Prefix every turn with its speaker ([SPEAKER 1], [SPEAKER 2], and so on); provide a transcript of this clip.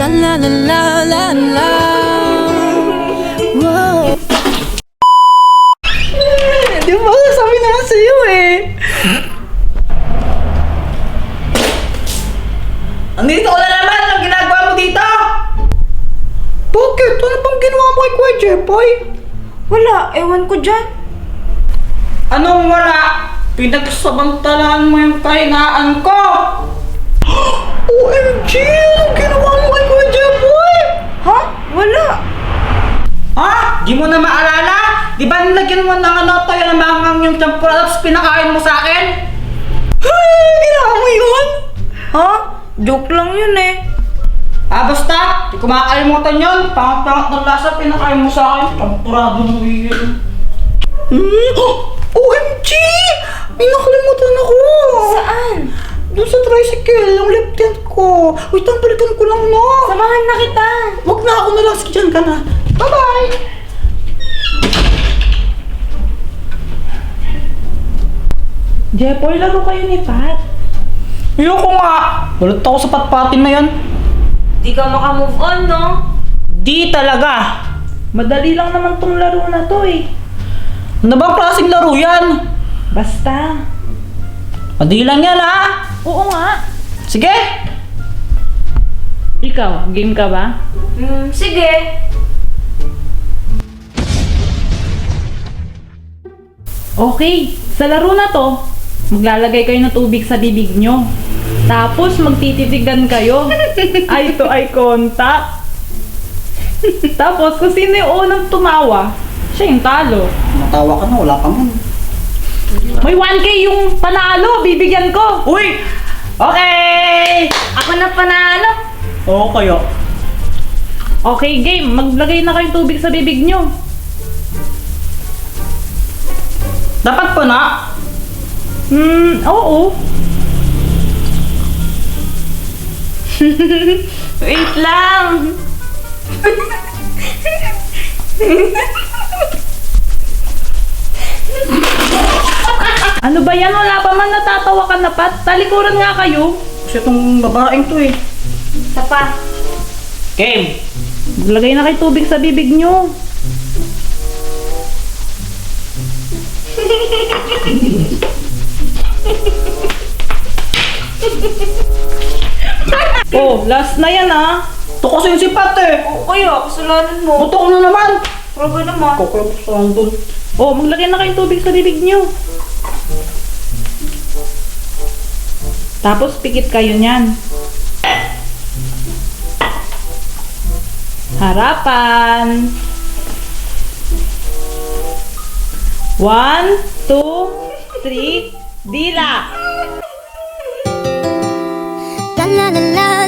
[SPEAKER 1] la la la la la. Wow.
[SPEAKER 2] Di ba? Sabi na nga sa'yo eh. Andito ko na naman! Anong ginagawa mo dito? Bakit? Ano bang ginawa mo kay Kuya Jepoy?
[SPEAKER 3] Wala, ewan ko dyan.
[SPEAKER 2] Anong wala? Pinagsabantalaan mo yung kahinaan ko! OMG! Anong ginawa mo kay Kuya Jepoy?
[SPEAKER 3] Ha? Wala.
[SPEAKER 2] Ha? Di mo na maalala? Di ba nilagyan mo ng tayo na mangang yung champura tapos pinakain mo sa akin? Ginawa mo yun?
[SPEAKER 3] Ha? Joke lang yun eh.
[SPEAKER 2] Basta, di ko makakalimutan yun. Pangat-pangat ng lasa, pinakain mo sa akin. Champurado mo yun. OMG! May nakalimutan ako!
[SPEAKER 3] Saan?
[SPEAKER 2] Doon sa tricycle, yung left hand ko. Wait lang, balikan ko lang, no?
[SPEAKER 3] Samahan na kita.
[SPEAKER 2] Wag na, ako na lang. Sige, dyan ka na. Bye-bye!
[SPEAKER 4] Jepoy, laro kayo ni Pat.
[SPEAKER 2] Ayoko nga! Walat ako sa patpatin na yan.
[SPEAKER 3] Di ka makamove on, no?
[SPEAKER 2] Di talaga!
[SPEAKER 4] Madali lang naman tong laro na to eh.
[SPEAKER 2] Ano bang klaseng laro yan?
[SPEAKER 4] Basta.
[SPEAKER 2] Madali lang yan, ha?
[SPEAKER 4] Oo nga.
[SPEAKER 2] Sige!
[SPEAKER 4] Ikaw, game ka ba?
[SPEAKER 3] Sige.
[SPEAKER 4] Okay, sa laro na to, maglalagay kayo ng tubig sa bibig nyo. Tapos magtititigan kayo. Eye to eye contact. Tapos kung sino yung unang tumawa, siya yung talo.
[SPEAKER 2] Matawa ka na, wala ka man.
[SPEAKER 4] May 1K yung panalo, bibigyan ko.
[SPEAKER 2] Uy! Okay!
[SPEAKER 3] Ako na panalo.
[SPEAKER 2] Oo kayo.
[SPEAKER 4] Okay, game. Maglagay na kayong tubig sa bibig nyo.
[SPEAKER 2] Dapat pa na.
[SPEAKER 4] Oo.
[SPEAKER 3] Wait lang.
[SPEAKER 4] Ano ba yan? Wala pa man natatawa ka na, Pat. Talikuran nga kayo.
[SPEAKER 2] Kasi itong babaeng to eh.
[SPEAKER 3] Isa pa.
[SPEAKER 2] Game!
[SPEAKER 4] Maglagay na kayo tubig sa bibig nyo. Oh, last na yan ah.
[SPEAKER 2] Ito kasi yung sipat eh.
[SPEAKER 3] Oo kaya, kasalanan mo.
[SPEAKER 2] Buto ko na naman.
[SPEAKER 3] Proba naman.
[SPEAKER 2] Kukulap sa doon.
[SPEAKER 4] Oh, maglagay na kayong tubig sa bibig nyo. Tapos pikit kayo niyan. Harapan. 1, 2, 3, dila.
[SPEAKER 1] La la la la